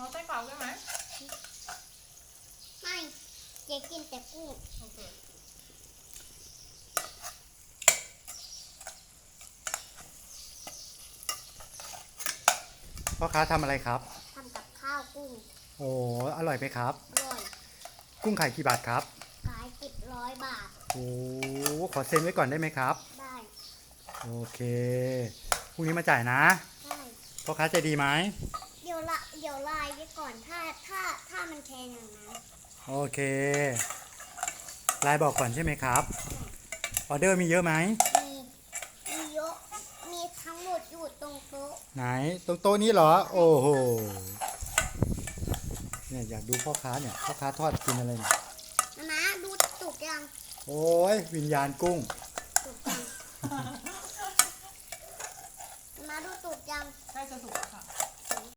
เอาไส้กรอกได้ไหมไม่เจ๊กินแต่กุ้งโอเคพ่อค้าทำอะไรครับทำกับข้าวกุ้งโอ้อร่อยไหมครับอร่อยกุ้งขายกี่บาทครับขาย100 บาทโอ้ขอเซ็นไว้ก่อนได้ไหมครับได้โอเคพรุ่งนี้มาจ่ายนะได้พ่อค้าใจดีไหมเดี๋ยวไลน์ไว้ก่อนถ้ามันแพงอย่างนั้นโอเคไลน์บอกก่อนใช่ไหมครับออเดอร์มีเยอะไหมมีเยอะมีทั้งหมดอยู่ตรงโต๊ะไหนตรงโต๊ะนี้เหรอโอ้โหเนี่ยอยากดูพ่อค้าเนี่ยพ่อค้าทอดกินอะไรเนี่ยนะดูสุกยังโอ้ยวิญญาณกุ้งสุกยังมาดูสุกยังใกล้จะสุก